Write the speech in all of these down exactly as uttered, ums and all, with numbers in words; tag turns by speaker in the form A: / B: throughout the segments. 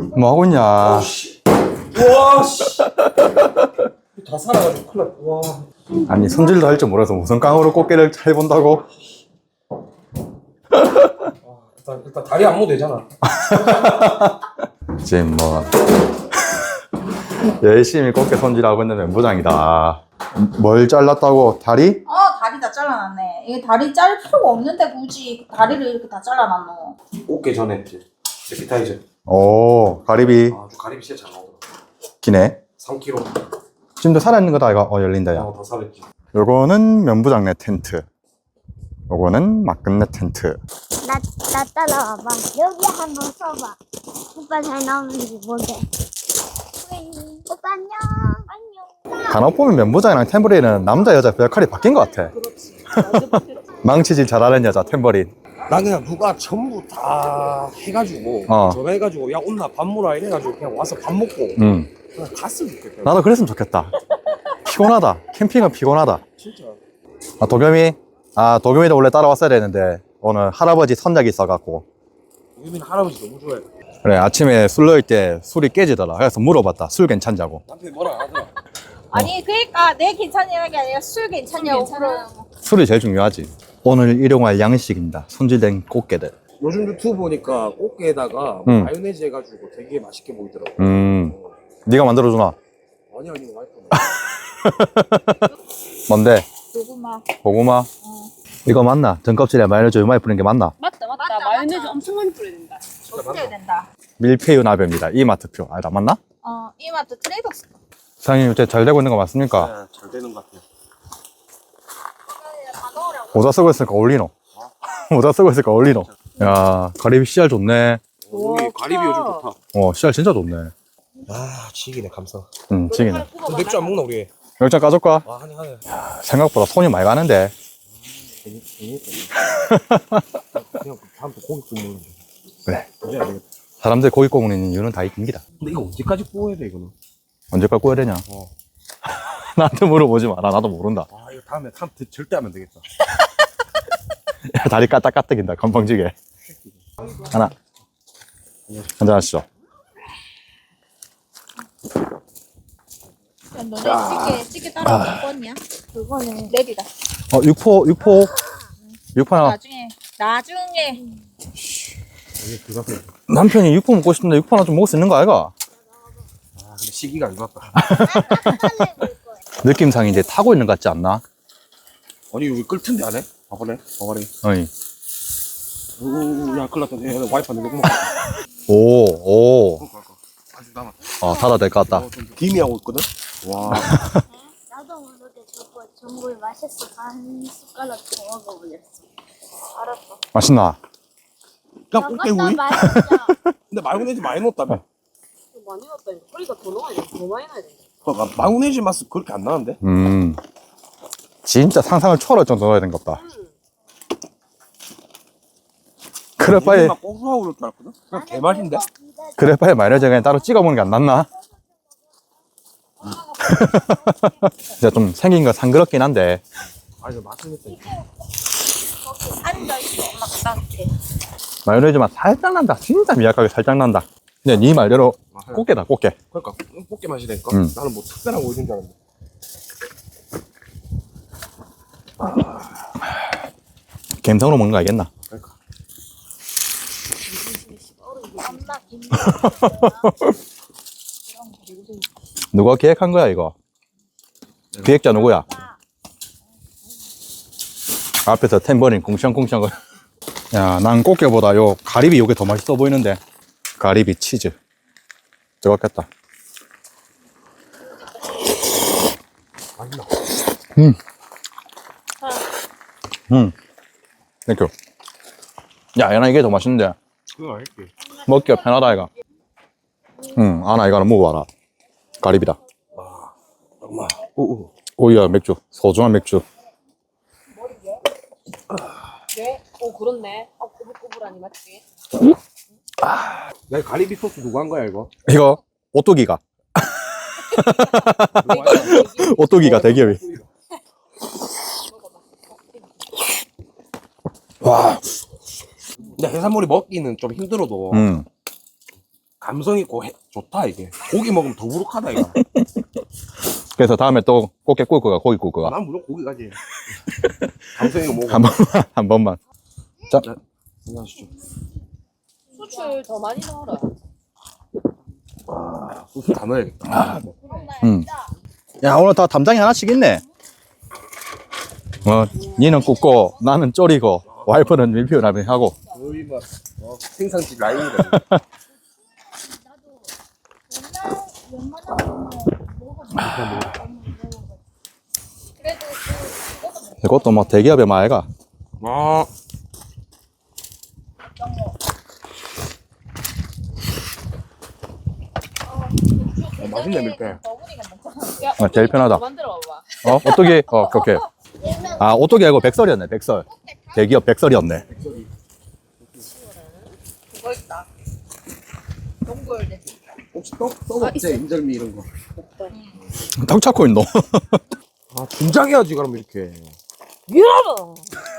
A: 뭐 하고 있냐?
B: 와, 씨. 다 살아가지고 큰일 났다. 와.
A: 아니, 손질도 할 줄 몰라서 무슨 깡으로 꽃게를 해본다고?
B: 아, 일단, 일단 다리 안무 되잖아.
A: 지금 뭐 열심히 꽃게 손질하고 있는 멘부장이다. 뭘 잘랐다고? 다리?
C: 어, 다리 다 잘라놨네. 이게 다리 자를 필요가 없는데 굳이 다리를 이렇게 다 잘라놨노.
B: 꽃게 전에 이제 에피타이저.
A: 오, 가리비
B: 아주 가리비 진짜 잘 나오더라.
A: 기네.
B: 삼 킬로그램.
A: 지금도 살아있는 거다 이거. 어, 열린다 야.
B: 어, 다 살았지.
A: 요거는 면부장네 텐트, 요거는 막근네 텐트.
D: 나, 나 따라와봐. 여기 한번 서봐. 오빠 잘 나오는지 보게. 오빠 안녕. 안녕.
A: 간혹 보면 면부장이랑 탬버린은 남자 여자 역할이 바뀐 것 같아. 망치질 잘하는 여자 탬버린.
B: 난 그냥 누가 전부 다 해가지고
A: 어.
B: 전화해가지고 야 온나 밥 먹으라 이래가지고 그냥 와서 밥 먹고
A: 음,
B: 그냥 갔으면 좋겠다.
A: 나도 그랬으면 좋겠다. 피곤하다. 캠핑은 피곤하다.
B: 진짜.
A: 아, 도겸이? 아, 도겸이도 원래 따라왔어야 되는데 오늘 할아버지 선약이 있어갖고.
B: 유민 할아버지 너무 좋아해.
A: 그래, 아침에 술 넣을 때 술이 깨지더라. 그래서 물어봤다. 술 괜찮냐고.
B: 남편이 뭐라 안 하더라.
C: 아니, 그러니까 내 괜찮냐는 게 아니라 술 괜찮냐고 물어보고.
A: 술이 제일 중요하지. 오늘 일용할 양식입니다. 손질된 꽃게들.
B: 요즘 유튜브 보니까 꽃게에다가
A: 음.
B: 마요네즈 해가지고 되게 맛있게 보이더라고.
A: 음, 네가 만들어주나?
B: 아니 아니 와이프.
A: 뭔데?
C: 고구마.
A: 고구마?
C: 어.
A: 이거 맞나? 등껍질에 마요네즈 요만히 뿌린 게 맞나?
E: 맞다, 맞다.
C: 맞다,
E: 마요네즈
C: 맞다.
E: 엄청 많이 뿌려야 된다.
C: 어떻게 된다.
A: 밀푀유 나베입니다. 이마트표. 아, 나 맞나?
C: 어, 이마트 트레이더스.
A: 사장님 요새 잘 되고 있는 거 맞습니까?
B: 네, 잘 되는 것 같아요.
C: 다 넣으라고.
A: 모자 쓰고 있으니까 어울리노? 모자 쓰고 있으니까 어울리노? 야, 가리비 씨알 좋네.
B: 우리 가리비 요즘 좋다.
A: 어, 씨알 진짜 좋네.
B: 아 지기네 감사.
A: 응, 지기네.
B: 그 맥주 안 먹나 우리?
A: 열장 까줄까?
B: 아 하네 하네.
A: 생각보다 손이 많이 가는데.
B: 그냥 다음부터 고기 구우면
A: 그래.
B: 이제 안 되겠다.
A: 사람들 고기 구우는 이유는 다 있습니다.
B: 근데 이거 언제까지 구워야 돼 이거는?
A: 언제까지 구워야 되냐?
B: 어.
A: 나한테 물어보지 마라. 나도 모른다.
B: 아 이거 다음에 다음 절대 하면 되겠다.
A: 야, 다리 까딱까딱인다. 건방지게. 하나. 한잔 하시죠.
C: 야, 너네 찌개, 찌개 따로 먹었냐?
D: 그거는
C: 내리다.
A: 어, 육포, 육포. 육포 하나.
C: 나중에, 나중에.
B: 이게 그거
A: 남편이 육포 먹고 싶은데 육포 하나 좀 먹을 수 있는 거 아이가?
B: 아 근데 시기가 안 좋았다.
A: 느낌상 이제 타고 있는 것 같지 않나?
B: 아니 여기 끌 텐데 안 해? 봐봐래 봐봐래.
A: 어이.
B: 오야 큰일 났다. 얘 와이프한테 녹음 먹고.
A: 오, 오.
B: 아직 남아.
A: 어, 닫아도 될 것 같다.
B: 김이하고 있거든. 와.
D: 나도 모르게 저거 전골 맛있어. 한 숟가락 더 먹어보겠어. 알았어.
A: 맛있나?
B: 그냥 꽃게
D: 저것도
B: 구이?
D: 맛있어.
B: 근데 마요네즈 많이 넣었다며.
E: 많이 넣었다니까. 허리가 더 넣어야 돼. 더 많이 넣어야 돼.
B: 그러니까 마요네즈 맛은 그렇게 안 나는데?
A: 음. 진짜 상상을 초월할 정도 넣어야 된것 같다. 그래, 빨리,
B: 막 고소하고 그럴 줄 알았거든? 그냥 개맛인데?
A: 그래, 빨리 마요네즈 그냥 따로 찍어 먹는 게 안 낫나? 진짜 좀 생긴 거 상그럽긴 한데.
B: 아 이거 맛은 있다.
C: 앉아있어, 엄마가 따뜻해.
A: 마요네즈 맛 살짝 난다. 진짜 미약하게 살짝 난다. 근데 네 말대로 꽃게다, 꽃게.
B: 그러니까 꽃게 맛이라니까?
A: 음.
B: 나는 뭐 특별한 거 있는 줄 알았는데.
A: 갬성으로 먹는 거 알겠나?
B: 그러니까.
D: 엄마 김
A: 누가 기획한 거야, 이거? 기획자 누구야? 앞에서 탬버린 쿵샹쿵샹. 야, 난 꽃게보다 요 가리비 요게 더 맛있어 보이는데. 가리비 치즈. 뜨겁겠다.
B: 맛있나?
A: 음. 음. 땡큐. 야, 얘나 이게 더 맛있는데.
B: 그거 알지?
A: 먹기가 편하다, 이거. 응, 아나 이거는 먹어봐라. 가리비다.
B: 엄마. 오오.
A: 오이야, 맥주. 소중한 맥주.
E: 네? 오, 그렇네. 아, 꼬불꼬불하니, 맞지?
B: 야, 가리비 소스 누구 한 거야, 이거?
A: 이거, 오뚜기가. 오뚜기가 대기업이. 와.
B: 근데 해산물이 먹기는 좀 힘들어도
A: 음.
B: 감성 있고 해, 좋다 이게. 고기 먹으면 더부룩하다 이거.
A: 그래서 다음에 또 꽃게 구울 거가 고기 구울 거가
B: 난 무조건 고기 가지. 감성이 먹어.
A: 한 번만 한 번만. 자,
B: 안녕하시죠.
E: 수출 더 많이 넣어라.
B: 와, 소스 다 넣어야겠다.
A: 음. 야 오늘 다 담장이 하나씩 있네. 어, 니는 굽고 나는 졸이고 와이프는 밀피우 라면 하고.
B: 거의 막 어, 생산지 라인이다.
C: 그래도 그 그거는
A: 이것도 뭐 대기업의 마애가.
B: 아, 어, 맛있네 밀대.
C: 너구리가 먹잖아.
E: 야,
A: 아, 제일 편하다.
E: 만들어 봐봐.
A: 어, 오뚜기? 어, 오케이. 아, 오뚜기 아니고 백설이었네, 백설. 대기업 백설이었네.
C: 그거 있다. 동굴 내
B: 혹시 떡, 떡 없지? 인절미 이런 거.
A: 턱 찾고 있노.
B: 아, 분장해야지 그럼 이렇게.
E: 미안하다.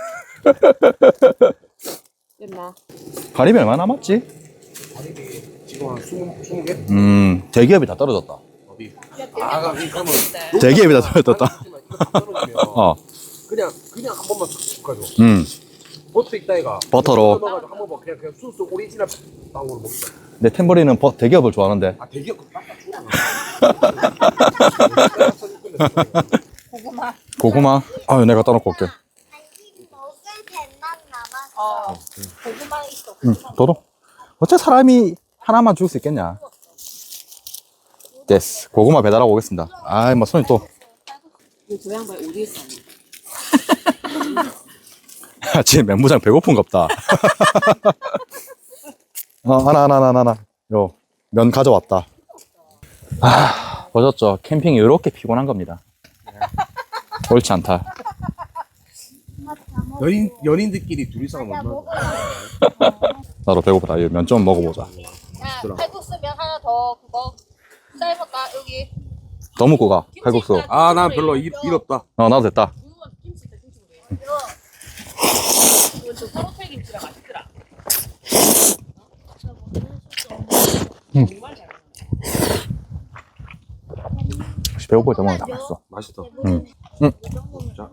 E: 됐나?
A: 가리비 얼마 남았지?
B: 지금 한 스무, 스무 개?
A: 음, 대기업이 다 떨어졌다.
B: 어디? 아, 그럼 그러면
A: 대기업이 다 떨어졌다.
B: 이거 다 떨어지면
A: 어,
B: 그냥 그냥 한 번만 툭 가져.
A: 음,
B: 버터 있다 이가.
A: 버터로.
B: 넣어가지고 한 번만 그냥 그냥 소스 오리지널 빵으로 먹자.
A: 내 템버리는 버, 대기업을 좋아하는데.
B: 아 대기업 그 빡빡 주라.
C: 고구마.
A: 고구마? 아유, 내가 따놓고 올게.
D: 간식 먹을 배만 남았어.
C: 어. 고구마 있어.
A: 응, 도도. 어째 사람이 하나만 죽을 수 있겠냐? 됐어. 고구마 배달하고 오겠습니다. 아이, 뭐, 손이 또.
E: 저 양반 어디에 사니?
A: 지금 멘부장 배고픈갑다. 어, 하나, 하나, 하나, 하나. 요, 면 가져왔다. 아, 보셨죠? 캠핑이 이렇게 피곤한 겁니다. 옳지 않다.
B: 연인 연인들끼리 둘이서 하면 얼마나?
A: 나도 배고프다. 면 좀 먹어보자.
C: 야, 칼국수 면 하나 더 그거 삶을까 여기.
A: 더 먹고 가. 칼국수.
B: 아, 난 별로 일, 일 없다.
A: 어, 나도 됐다.
E: 김치 있다, 김치 그래. 이거 저 서로텔 김치가 맛있더라.
A: 음.
E: 정말 잘 먹네.
A: 혹시 배고플 때 먹으면 다 맛있어.
B: 맛있다.
A: 응. 응.
B: 자,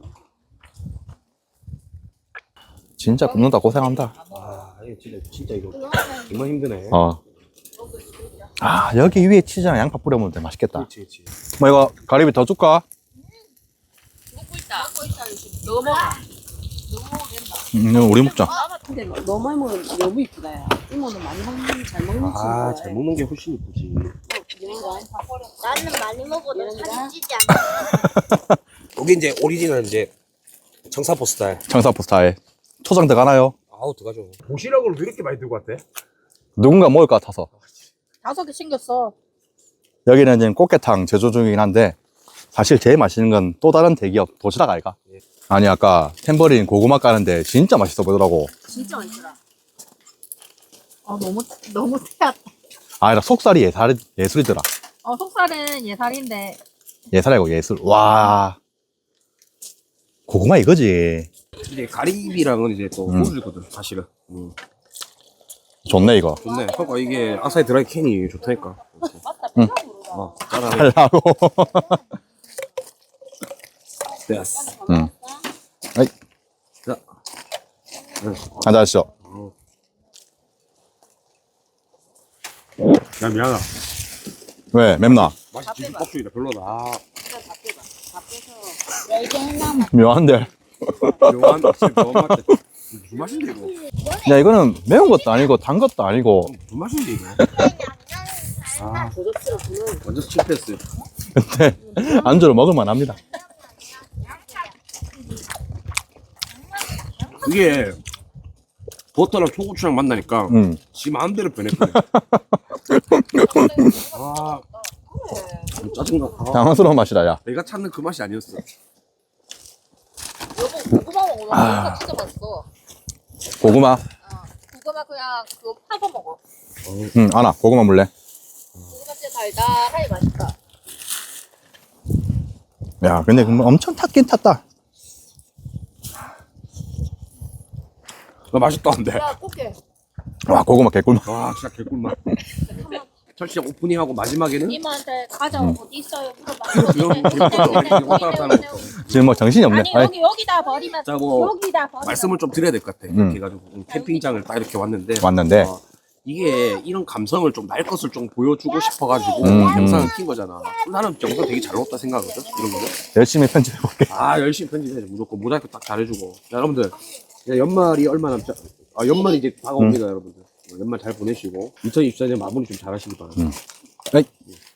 A: 진짜 굽는다 고생한다.
B: 아, 이거 진짜 진짜 이거 정말 힘드네.
A: 어. 아, 여기 위에 치즈랑 양파 뿌려먹으면 되게 맛있겠다.
B: 그렇지, 그렇지.
A: 뭐 이거 가리비 더 줄까?
E: 먹고 있다. 먹고 있다, 요즘. 너 먹어. 너 먹어도 된다.
A: 음, 이거 우리 먹자.
E: 근데 너무 많이 먹으면 너무 이쁘다, 야. 이모는 많이 먹는, 잘 먹는 친구야.
B: 아, 잘 먹는 게 훨씬 이쁘지.
E: 이런 거.
D: 나는 많이 먹어도
E: 이런가?
D: 살이 찌지 않아.
B: 여기 이제 오리지널 이제 청사포 스타일.
A: 청사포 스타일. 초장 들어가나요?
B: 아우 들어가죠. 도시락을 왜 이렇게 많이 들고 왔대?
A: 누군가 먹을 것 같아서.
C: 다섯 개 챙겼어.
A: 여기는 지금 꽃게탕 제조 중이긴 한데 사실 제일 맛있는 건 또 다른 대기업 도시락 아이가?
B: 예.
A: 아니 아까 탬버린 고구마 까는데 진짜 맛있어 보이더라고.
E: 진짜 맛있더라.
C: 어 너무 너무 태웠다.
A: 아니라 속살이 예살, 예술이더라.
C: 어 속살은 예살인데
A: 예살이고 예술. 와. 고구마 이거지.
B: 이제 가리비랑은 이제 또
A: 음.
B: 호주거든 사실은. 음.
A: 좋네 이거.
B: 좋네. 그러니까 이게 아사히 드라이 캔이 좋다니까.
E: 맞다,
A: 응.
E: 비싸 모르다.
B: 어, 짜라.
A: 달라고.
B: 됐어.
A: 응. 아이,
B: 자,
A: 앉아주시죠.
B: 야 미안하다.
A: 왜 맵나?
B: 맛이 진짜 뻑죽이다. 별로다. 아,
E: 다 빼봐. 다 빼서.
D: 네 개나
A: 묘한데.
B: 묘한 진짜 묘한 맛. 무슨 맛인데 이거?
A: 야 이거는 매운 것도 아니고 단 것도 아니고
B: 무슨 맛인데 이거? 아,
E: 고급스럽구나.
B: 완전 실패했어요.
A: 근데 안주로 먹을만 합니다.
B: 이게 버터랑 초고추랑 만나니까
A: 음.
B: 지 마음대로 변했거든. 아, 짜증나. 아,
A: 당황스러운 맛이다 야.
B: 내가 찾는 그 맛이 아니었어.
C: 여보 고구마 먹어. 고구마 진짜 맛있어.
A: 고구마.
C: 어. 고구마 그냥 그거 파서 먹어.
A: 응 아나 고구마 물래.
C: 고구마 진짜 달달하니 맛있다.
A: 야 근데 그거 엄청 탔긴 탔다.
B: 나 맛있다는데.
C: 야 꽃게.
A: 와, 고구마 개꿀맛.
B: 와 진짜 개꿀맛. 철시장 오프닝하고 마지막에는
D: 이모한테 과자
A: 음.
D: 어디 있어요? 물어봐.
B: 이런 개꿀맛 왔다 갔다 하는 거.
A: 지금 뭐 정신이 없네.
D: 아니
A: 아이,
D: 여기 여기다 버리면
B: 자, 뭐
D: 여기다 버리면
B: 말씀을 좀 드려야 될 것 같아.
A: 음.
B: 이렇게 해가지고 음, 캠핑장을 딱 이렇게 왔는데
A: 왔는데.
B: 어, 이게 이런 감성을 좀 날 것을 좀 보여주고 싶어가지고
A: 음.
B: 영상을 킨 거잖아. 나는 영상 되게 잘 나왔다 생각하거든. 이런 거는.
A: 열심히 편집해볼게.
B: 아 열심히 편집해야지 무조건 모자이크 딱 잘해주고. 자, 여러분들 이제 연말이 얼마 남지 아 연말이 이제 다가옵니다. 여러분들 연말 잘 보내시고 이천이십사 년 마무리 좀 잘하시기 바랍니다.
A: 에이.